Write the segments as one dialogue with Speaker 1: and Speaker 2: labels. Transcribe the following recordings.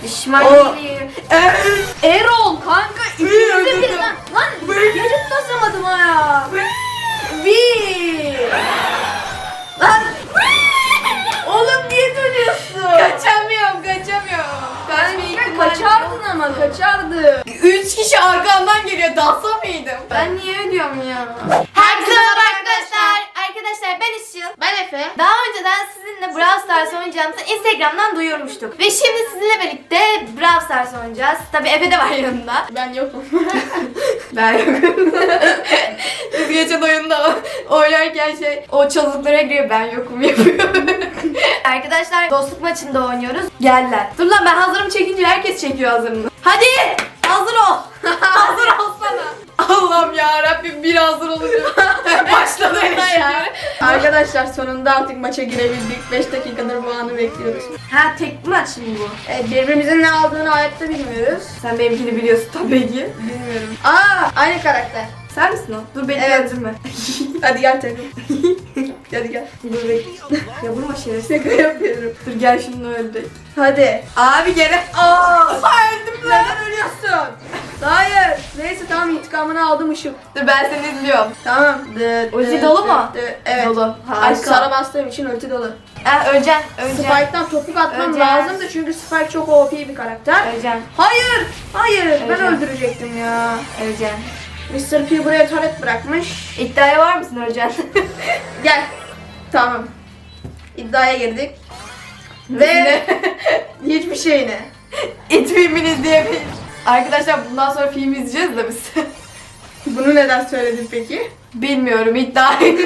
Speaker 1: İsmail'i. Erol kanka ikimizde bir lan. Lan gecik basamadım ha ya. Bir. Lan. Oğlum niye dönüyorsun?
Speaker 2: Kaçamıyorum.
Speaker 1: Kanka kaçardın ama kaçardın.
Speaker 2: 3 kişi arkamdan geliyor. Dalsa mıydım?
Speaker 1: Ben niye ödüyorum ya?
Speaker 3: Herkese merhaba arkadaşlar. Arkadaşlar ben Işıl.
Speaker 1: Ben Efe.
Speaker 3: Daha önceden sizinle Brawl Stars oynayacağımızı Instagram'dan duyurmuştuk. Ve şimdi sizinle birlikte Brawl Stars oynayacağız. Tabii Efe de var yanında.
Speaker 1: Ben yokum.
Speaker 2: Ben yokum. Biz geçen oyunda oynarken o çalılıklara giriyor, ben yokum yapıyor.
Speaker 3: Arkadaşlar dostluk maçında oynuyoruz. Geldiler.
Speaker 2: Dur lan, ben hazırım çekince herkes çekiyor hazırını.
Speaker 3: Hadi hazır ol.
Speaker 2: Hazır olsana. Allah'ım ya Rabbim, bir hazır olacağım. Başladı ya. Arkadaşlar sonunda artık maça girebildik. 5 dakikadır bu anı bekliyoruz.
Speaker 3: Ha tek maç mı bu?
Speaker 1: Birbirimizin ne aldığını hayatta bilmiyoruz.
Speaker 2: Sen benimkini biliyorsun tabii ki.
Speaker 1: Bilmiyorum. Aynı karakter.
Speaker 2: Sen misin o? Dur beni
Speaker 1: Evet.
Speaker 2: öldürme.
Speaker 1: Hadi gel takım.
Speaker 2: Hadi gel. Dur bekle. Ya vurma şerefsiz.
Speaker 1: Şaka yapıyorum.
Speaker 2: Dur gel şunu öldür.
Speaker 1: Hadi.
Speaker 2: Abi gene. Öldüm lan.
Speaker 1: Neden ölüyorsun? Hayır. Neyse tamam, intikamını aldım Işıl.
Speaker 2: Dur ben seni izliyorum.
Speaker 1: Tamam.
Speaker 3: Ulti dolu mu?
Speaker 1: Evet.
Speaker 2: Dolu.
Speaker 1: Ay,
Speaker 2: Harika.
Speaker 1: Sara bastığım için ulti dolu.
Speaker 3: Öleceksin.
Speaker 1: Spike'dan topuk atmam
Speaker 3: Öleceğiz.
Speaker 1: lazımdı çünkü Spike çok OP bir karakter.
Speaker 3: Öleceksin.
Speaker 1: Hayır. Hayır. Ben
Speaker 3: Öleceğim.
Speaker 1: öldürecektim ya.
Speaker 3: Öleceksin.
Speaker 1: Mr. P buraya taret bırakmış.
Speaker 3: İddiaya var mısın öleceksin?
Speaker 1: Gel. Tamam. İddiaya girdik.
Speaker 2: Ve
Speaker 1: Ve hiçbir şeyine.
Speaker 2: it filmini izleyebiliriz. Arkadaşlar bundan sonra film izleyeceğiz de biz.
Speaker 1: Bunu neden söyledin peki?
Speaker 2: Bilmiyorum, iddiayı.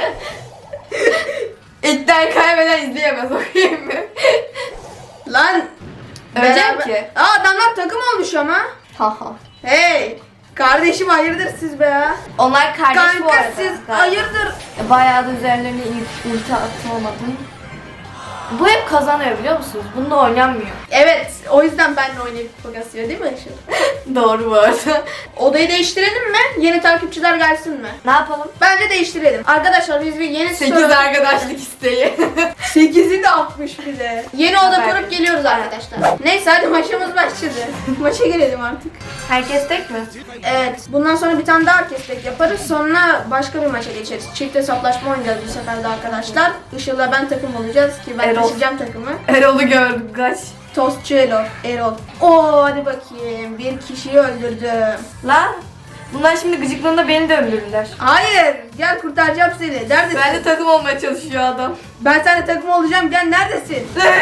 Speaker 2: İddiayı kaybeden izleyemez, okuyayım mı?
Speaker 1: Lan.
Speaker 2: Öleceğim ki.
Speaker 1: Adamlar takım olmuş ama.
Speaker 2: Haha.
Speaker 1: Hey. Kardeşim hayırdır siz be ya?
Speaker 3: Onlar kardeş bu
Speaker 1: Kanka
Speaker 3: arada.
Speaker 1: siz hayırdır?
Speaker 3: Bayağı da üzerlerine ulti atamadım. Bu hep kazanıyor biliyor musunuz? Bunda oynanmıyor.
Speaker 1: Evet, o yüzden benimle oynayıp kupa kasıyor değil mi Işıl?
Speaker 2: Doğru bu arada.
Speaker 1: Odayı değiştirelim mi? Yeni takipçiler gelsin mi?
Speaker 3: Ne yapalım?
Speaker 1: Bence değiştirelim. Arkadaşlar biz bir yeni
Speaker 2: 8 arkadaşlık isteği.
Speaker 1: 8'i de atmış bir de. Yeni oda
Speaker 2: Süper.
Speaker 1: kurup geliyoruz arkadaşlar. Neyse hadi maçımız başladı. Maça girelim artık.
Speaker 3: Herkes tek mi?
Speaker 1: Evet, bundan sonra bir tane daha orkestek yaparız. Sonra başka bir maça geçeriz. Çift hesaplaşma oynayacağız bu sefer de arkadaşlar. Işıl'la ben takım olacağız ki ben
Speaker 2: Erol.
Speaker 1: taşıyacağım takımı.
Speaker 2: Erol'u gördüm, kaç.
Speaker 1: Tostçu Erol. Oo hadi bakayım. Bir kişiyi öldürdüm.
Speaker 3: Lan bunlar şimdi gıcıklığında beni de öldürürler.
Speaker 1: Hayır, gel kurtaracağım seni. Neredesin?
Speaker 2: Ben de takım olmaya çalışıyor adam.
Speaker 1: Ben seninle takım olacağım. Gel neredesin?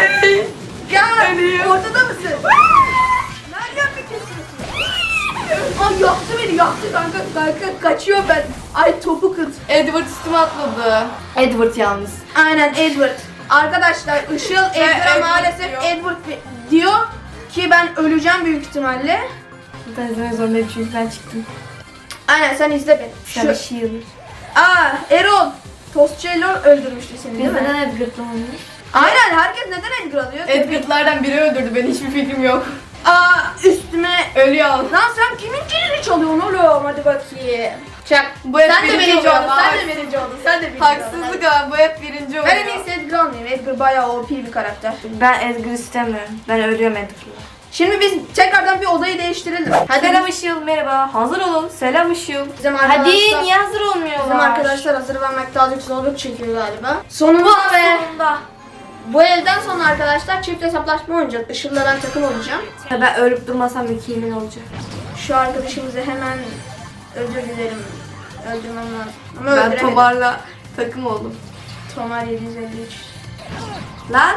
Speaker 1: Gel.
Speaker 2: Ölüyorum.
Speaker 1: Ortada mısın? Nereden mi kesiyorsun? Ay yaktı beni, yaktı kanka. Kanka kaçıyor ben. Ay topu kıt.
Speaker 2: Edward üstüme atladı.
Speaker 3: Edward yalnız.
Speaker 1: Aynen Edward. Arkadaşlar Işıl Edward'a
Speaker 2: Edward
Speaker 1: maalesef
Speaker 2: diyor.
Speaker 1: Edward diyor ki ben öleceğim büyük ihtimalle.
Speaker 3: Ben izlemek zorundayım çünkü ben çıktım.
Speaker 1: Aynen sen izle beni.
Speaker 3: Sen
Speaker 1: Şu...
Speaker 3: Shield.
Speaker 1: Erol. Tostçu Erol öldürmüştü seni değil
Speaker 3: Biz
Speaker 1: mi?
Speaker 3: neden Edward'la oynuyoruz?
Speaker 1: Aynen, herkes neden Edgar alıyor?
Speaker 2: Edward'lardan biri öldürdü beni, hiçbir fikrim yok.
Speaker 1: Üstüme.
Speaker 2: Ölüyor.
Speaker 1: Lan sen kimin kilini çalıyorsun oğlum? Hadi bakayım. Çak.
Speaker 2: Bu hep
Speaker 1: Sen de
Speaker 2: birinci
Speaker 1: birinci
Speaker 2: oluyor,
Speaker 1: oldun. Sen de
Speaker 2: haksız.
Speaker 1: birinci oldun. Sen de birinci oldun.
Speaker 2: Haksızlık ama bu hep birinci oluyor.
Speaker 1: Ben en iyisi Edgar almayayım. Edgar bayağı OP bir karakter.
Speaker 3: Ben Edgar istemiyorum. Ben ölüyorum Edgar'la.
Speaker 1: Şimdi biz tekrardan bir odayı değiştirelim. Hadi
Speaker 3: Selam Işıl merhaba. Hazır olun. Selam Işıl.
Speaker 1: Bizim
Speaker 3: Hadi
Speaker 1: arkadaşlar,
Speaker 3: niye hazır olmuyorlar?
Speaker 1: bizim arkadaşlar hazır vermekte azıcık zorluk çekiyor galiba. Sonunda ve
Speaker 3: Sonunda.
Speaker 1: bu elden sonra arkadaşlar çift hesaplaşma oynayacağız. Işıl'la ben takım olacağım.
Speaker 3: Ya ben ölüp durmasam kimin olacak?
Speaker 1: Şu arkadaşımızı hemen özür dilerim. Öldürmem lazım. Ama
Speaker 2: Ben
Speaker 1: öldüremedim.
Speaker 2: Tomar'la takım oldum.
Speaker 1: Tomar 753.
Speaker 3: Lan.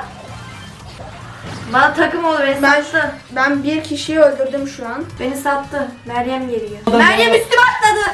Speaker 3: Bana takım ol beni
Speaker 1: Ben-
Speaker 3: sattı.
Speaker 1: Ben bir kişiyi öldürdüm şu an.
Speaker 3: Beni sattı. Meryem geliyor.
Speaker 2: Meryem
Speaker 3: üstüme atladı.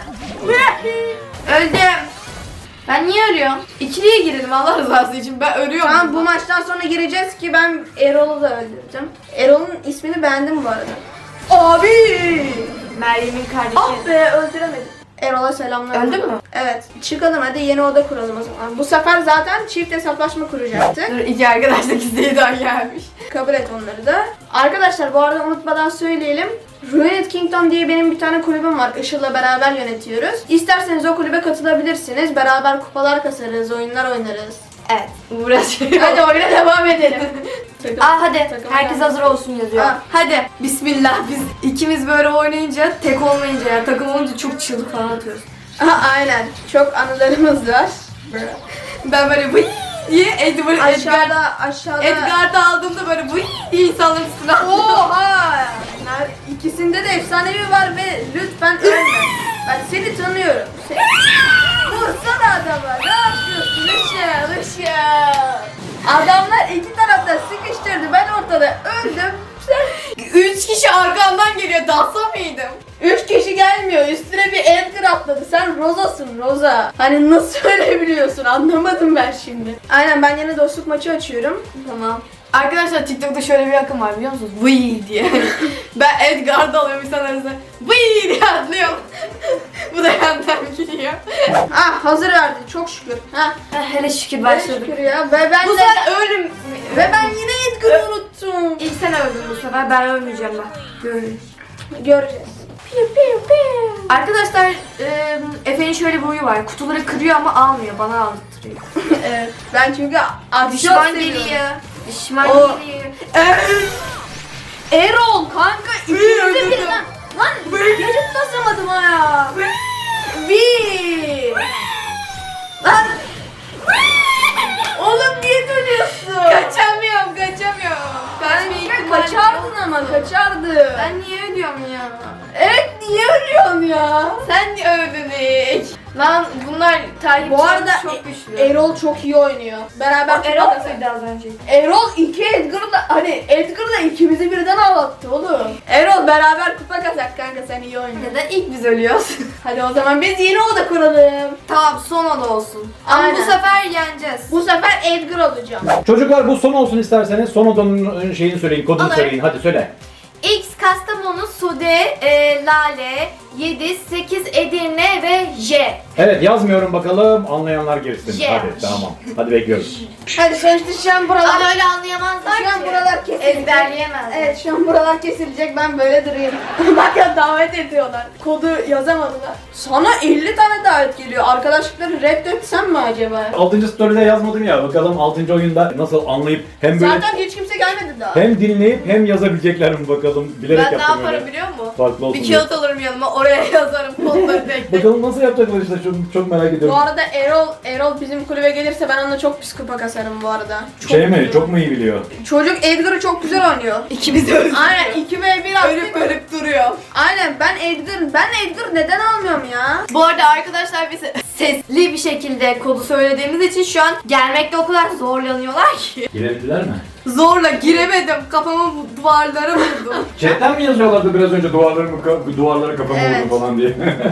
Speaker 3: Öldüm. Ben niye ölüyorum?
Speaker 2: İkiliye girelim Allah rızası için, ben ölüyorum.
Speaker 1: Tamam, bu
Speaker 2: burada.
Speaker 1: maçtan sonra gireceğiz ki ben Erol'u da öldüreceğim. Erol'un ismini beğendim bu arada. Abi!
Speaker 3: Meryem'in kardeşi.
Speaker 1: Ah be, öldüremedim. Erol'a selamlar.
Speaker 3: Öldün mü?
Speaker 1: Evet. Çıkalım hadi, yeni oda kuralım o zaman. Bu sefer zaten çift hesaplaşma kuracaktık.
Speaker 2: Dur, iki arkadaşlık isteği daha gelmiş.
Speaker 1: Kabul et onları da. Arkadaşlar bu arada unutmadan söyleyelim. Ruined Kingdom diye benim bir tane kulübüm var. Işıl'la beraber yönetiyoruz. İsterseniz o kulübe katılabilirsiniz. Beraber kupalar kasarız, oyunlar oynarız.
Speaker 3: Evet.
Speaker 2: Uğraşıyor.
Speaker 1: Hadi oyuna devam edelim.
Speaker 3: Hadi
Speaker 1: takım
Speaker 3: herkes
Speaker 1: geldi.
Speaker 3: hazır olsun yazıyor.
Speaker 1: Aa.
Speaker 2: Hadi bismillah, biz ikimiz böyle oynayınca, tek olmayınca yani takım olunca çok çığlık falan atıyoruz.
Speaker 1: Aynen. Çok anılarımız var.
Speaker 2: Ben böyle vıy diye
Speaker 1: Aşağıda.
Speaker 2: Edgar'da aldığımda böyle vıy diye insanların üstüne atlıyorum.
Speaker 1: Oha! İkisinde de efsanevi var ve lütfen ölme. Ben seni tanıyorum. Vursana adama. Ne yapıyorsun? Işıl. Adamlar iki tarafta sıkıştırdı. Ben ortada öldüm. Sen
Speaker 2: 3 kişi arkamdan geliyor, dalsa mıydım?
Speaker 1: 3 kişi gelmiyor. Üstüne bir Edgar atladı. Sen Roza'sın Roza. Hani nasıl öyle biliyorsun? Anlamadım ben şimdi. Aynen, ben yine dostluk maçı açıyorum.
Speaker 2: Tamam. Arkadaşlar TikTok'ta şöyle bir akım var biliyor musunuz? Vıy diye. Ben Edgar'da alıyorum insanlar arasında. Vıy diye atlıyorum. Bu da yandan gidiyor.
Speaker 1: Ah, hazır verdi. Çok şükür. Ha.
Speaker 3: Hele şükür
Speaker 1: Çok
Speaker 3: başladık.
Speaker 1: şükür ya. Ve ben
Speaker 2: Bu
Speaker 1: de
Speaker 2: sefer ölüm.
Speaker 1: ve ben yine Edgar'ı unuttum.
Speaker 3: İlk sen öldün bu sefer, ben ölmeyeceğim bak. Görün.
Speaker 1: Göreceğiz.
Speaker 3: Arkadaşlar Efe'nin şöyle bir huyu var. Kutuları kırıyor ama almıyor. Bana aldırtıyor.
Speaker 1: Evet. Ben çünkü aksiyon
Speaker 3: Düşman
Speaker 1: seviyorum.
Speaker 3: geliyor. Düşman
Speaker 1: O-
Speaker 3: geliyor.
Speaker 1: Erol kanka ikimize
Speaker 2: öldürdüm.
Speaker 1: birden. Lan geçit basamadım ha ya. Bir. Lan. Oğlum niye dönüyorsun?
Speaker 2: Kaçamıyorum.
Speaker 1: Ben kaçardın ama kaçardın.
Speaker 3: Ben niye ölüyorum ya?
Speaker 1: Evet, niye ölüyorsun ya?
Speaker 2: Sen niye öldün ilk?
Speaker 3: Lan bunlar takipçilerimiz
Speaker 1: Bu arada
Speaker 3: çok güçlü.
Speaker 1: Erol çok iyi oynuyor. Beraber
Speaker 3: Erol
Speaker 1: kupa
Speaker 3: muydu az önce?
Speaker 1: Erol iki Edgar'la hani Edgar'la ikimizi birden ağlattı oğlum. Erol beraber kupa kazak kanka, sen iyi oynuyorsun.
Speaker 3: Neden ilk biz ölüyoruz?
Speaker 1: Hadi o zaman biz yeni oda kuralım.
Speaker 3: Tamam, son oda olsun. Ama
Speaker 1: Aynen.
Speaker 3: bu sefer yeneceğiz.
Speaker 1: Bu sefer Edgar olacağım.
Speaker 4: Çocuklar bu son olsun isterseniz. Son odanın şeyini söyleyin, kodunu
Speaker 3: Olur.
Speaker 4: söyleyin. Hadi söyle.
Speaker 3: X Kastamonu, Sude, Lale, 7, 8 Edirne ve J.
Speaker 4: Evet, yazmıyorum bakalım. Anlayanlar girsin.
Speaker 3: Yeah.
Speaker 4: Hadi tamam. Hadi bekliyoruz.
Speaker 1: Hadi sonuçta şu an buralar...
Speaker 3: Ama öyle anlayamazlar
Speaker 1: Şu an
Speaker 3: ki.
Speaker 1: buralar kesilecek.
Speaker 3: Ezberleyemezler.
Speaker 1: Evet, şu an buralar kesilecek, ben böyle durayım. Bak ya, davet ediyorlar. Kodu yazamadılar. Sana 50 tane davet geliyor. Arkadaşlıkları reddetsem mi acaba?
Speaker 4: 6. story'de yazmadım ya. Bakalım 6. oyunda nasıl anlayıp hem böyle
Speaker 1: Zaten hiç kimse gelmedi daha.
Speaker 4: hem dinleyip hem yazabilecekler mi bakalım. Bilerek
Speaker 2: Ben ne
Speaker 4: yaptım
Speaker 2: yaparım
Speaker 4: öyle.
Speaker 2: biliyor musun?
Speaker 4: Farklı olsun
Speaker 2: Bir
Speaker 4: diye.
Speaker 2: kağıt alırım yanıma, oraya yazarım kodları tek tek.
Speaker 4: Bakalım nasıl yapacaklar işte, çok merak
Speaker 1: Bu
Speaker 4: ediyorum.
Speaker 1: arada Erol bizim kulübe gelirse ben onunla çok pis kupa kasarım bu arada. Çok
Speaker 4: Şey mi?
Speaker 1: biliyor.
Speaker 4: Çok mu iyi biliyor?
Speaker 1: Çocuk Edgar'ı çok güzel oynuyor.
Speaker 2: İkimiz de öldük.
Speaker 1: Aynen, 2v1 attık.
Speaker 2: Ölüp duruyor.
Speaker 1: Aynen, ben Edgar neden almıyorum ya?
Speaker 3: Bu arada arkadaşlar biz sesli bir şekilde kodu söylediğimiz için şu an gelmekte o kadar zorlanıyorlar ki.
Speaker 4: Girebildiler mi?
Speaker 2: Zorla giremedim. Kafamı bu duvarlara vurdum.
Speaker 4: Chatten mi yazıyorlardı biraz önce duvarlara kafamı
Speaker 1: Evet.
Speaker 4: vurdu falan diye?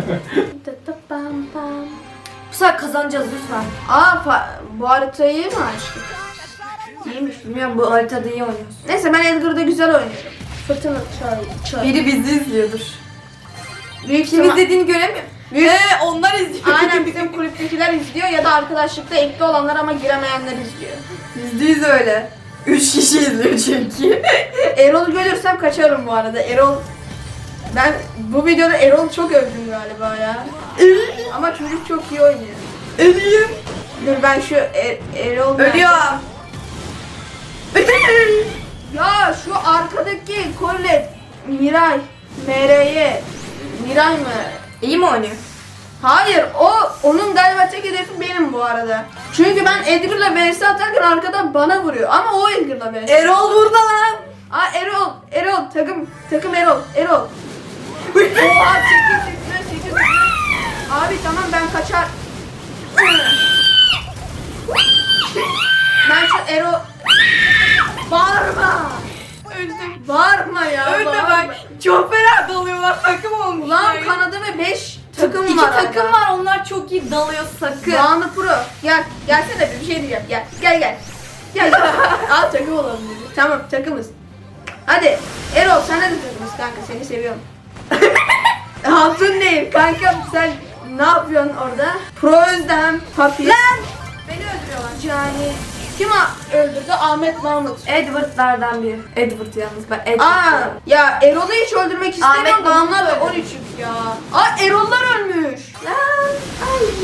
Speaker 3: Bu sefer kazanacağız lütfen.
Speaker 1: Bu haritayı mı açtık?
Speaker 3: İyiymiş, bilmiyorum, bu haritada iyi oynuyorsun.
Speaker 1: Neyse, ben Edgar'da güzel oynuyorum. Fırtına çay.
Speaker 2: Biri bizi izliyordur.
Speaker 1: Büyük
Speaker 2: Kim
Speaker 1: ihtimal-
Speaker 2: izlediğini göremiyorum. Onlar izliyor.
Speaker 1: Aynen, bizim kulüptekiler izliyor ya da arkadaşlıkta ekli olanlar ama giremeyenler izliyor.
Speaker 2: %100 öyle. 3 kişi izliyor çünkü.
Speaker 1: Erol'u görürsem kaçarım bu arada. Ben bu videoda Erol'u çok övdüm galiba ya. Ama çocuk çok iyi oynuyor.
Speaker 2: Ölüyüm.
Speaker 1: Dur ben şu Erol...
Speaker 2: Ölüyorum.
Speaker 1: Ya şu arkadaki Colette, Miray, MR'ye, Miray mı?
Speaker 3: İyi mi oynuyor?
Speaker 1: Hayır, onun galiba tek hedefi benim bu arada. Çünkü ben Edgar'la vs atarken arkadan bana vuruyor ama o Edgar'la vs.
Speaker 2: Erol burada lan.
Speaker 1: Aa, Erol takım Erol. Oha, çekil. Abi tamam, ben kaçar. Ben şu Erol... Bağırma.
Speaker 2: Öldüm.
Speaker 1: Bağırma ya.
Speaker 2: Ölme
Speaker 1: bağırma.
Speaker 2: bak. Çok fena dalıyorlar. Takım olmuşlar.
Speaker 1: Ulan kanadı ve 5 takım
Speaker 3: İki
Speaker 1: var.
Speaker 3: takım
Speaker 1: arada.
Speaker 3: var, onlar çok iyi dalıyor sakın.
Speaker 1: Doğanlı Pro. Gelsene bir şey diyeceğim. Gel. Al, takım olalım dedi. Tamam, takımız. Hadi Erol, sen de takımız kanka, seni seviyorum. Hatun değil kanka, sen ne yapıyorsun orada? Pro Özlem, Papi. Lan! Beni öldürüyorlar. Yani kim öldürdü? Ahmet Mahmut.
Speaker 3: Edward'lardan biri. Edward yalnız, ben Edward
Speaker 1: Aa,
Speaker 3: diyorum.
Speaker 1: ya Erol'u hiç öldürmek istemiyorum
Speaker 3: Ahmet
Speaker 1: da
Speaker 3: Mahmut
Speaker 1: onlar da
Speaker 3: öldü.
Speaker 1: 13 ya. Aa, Erol'lar ölmüş.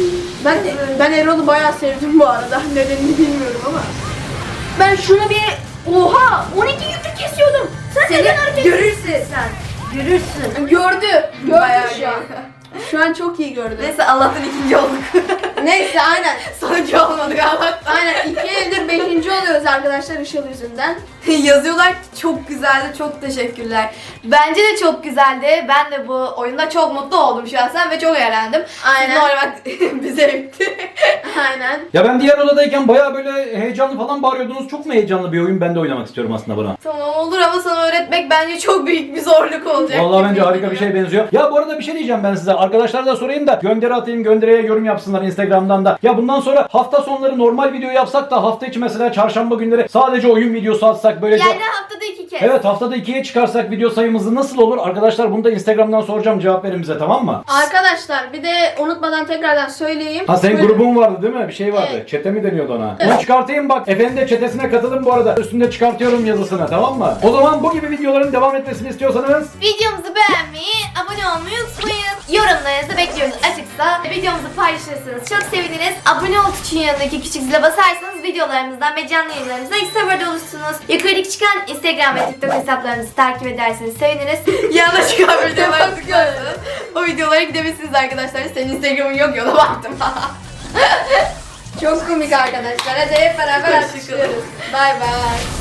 Speaker 1: Ben Erol'u bayağı sevdim bu arada. Nedenini bilmiyorum ama. Ben şunu bir
Speaker 3: Oha 12 gündür kesiyordum. Sen neden hareket
Speaker 2: görürsün.
Speaker 3: sen? Görürsün.
Speaker 1: Gördü.
Speaker 2: Bayağı
Speaker 1: Gördü şu an. Şu an çok iyi gördü.
Speaker 2: Neyse Allah'tan ikinci olduk.
Speaker 1: Neyse aynen.
Speaker 2: Sonuncu olmadık Allah'tan.
Speaker 1: Aynen 2 yıldır 5. oluyoruz arkadaşlar Işıl yüzünden.
Speaker 2: Yazıyorlar ki çok güzeldi, çok teşekkürler.
Speaker 3: Bence de çok güzeldi. Ben de bu oyunda çok mutlu oldum şahsen ve çok eğlendim.
Speaker 1: Aynen.
Speaker 3: Sizin oynamak bize bitti.
Speaker 1: Aynen.
Speaker 4: Ya ben diğer odadayken bayağı böyle heyecanlı falan bağırıyordunuz. Çok mu heyecanlı bir oyun? Ben de oynamak istiyorum aslında buna.
Speaker 3: Tamam olur ama sana öğretmek bence çok büyük bir zorluk olacak.
Speaker 4: Vallahi
Speaker 3: gibi
Speaker 4: bence harika bir
Speaker 3: geliyor.
Speaker 4: şey benziyor. Ya bu arada bir şey diyeceğim ben size. Arkadaşlara da sorayım da gönderi atayım, göndereye yorum yapsınlar Instagram'dan da. Ya bundan sonra hafta sonları normal video yapsak da hafta içi mesela çarşamba günleri sadece oyun videosu atsak böylece.
Speaker 3: Yani haftada 2 kez.
Speaker 4: Evet, haftada 2'ye çıkarsak video sayımızı nasıl olur? Arkadaşlar bunu da Instagram'dan soracağım, cevap verin bize, tamam mı?
Speaker 1: Arkadaşlar bir de unutmadan tekrardan söyleyeyim.
Speaker 4: Ha senin
Speaker 1: Böyle-
Speaker 4: grubun vardı değil mi? Bir şey vardı.
Speaker 1: Evet.
Speaker 4: Çete mi deniyordu ona? Onu çıkartayım bak. Efe'nin de çetesine katılın bu arada. Üstünde çıkartıyorum yazısını, tamam mı? O zaman bu gibi videoların devam etmesini istiyorsanız
Speaker 3: Videomuzu beğenmeyi, abone olmayı unutmayın. Yorumlarınızı bekliyoruz açıksa. Videomuzu paylaşırsanız çok seviniriz. Abone ol tuşunun yanındaki küçük zile basarsanız videolarımızdan ve canlı yayınlarımızdan ilk seferde olursunuz. Yukarıdaki çıkan Instagram ve TikTok hesaplarımızı takip ederseniz seviniriz.
Speaker 2: Yanına çıkan videolara tıklarsanız o videolara gidebilirsiniz arkadaşlar. Senin Instagram'ın yok ya, ona baktım.
Speaker 1: Çok komik arkadaşlar. Hadi hep beraber
Speaker 2: Hoşçakalın.
Speaker 1: alkışlıyoruz. Bay bay.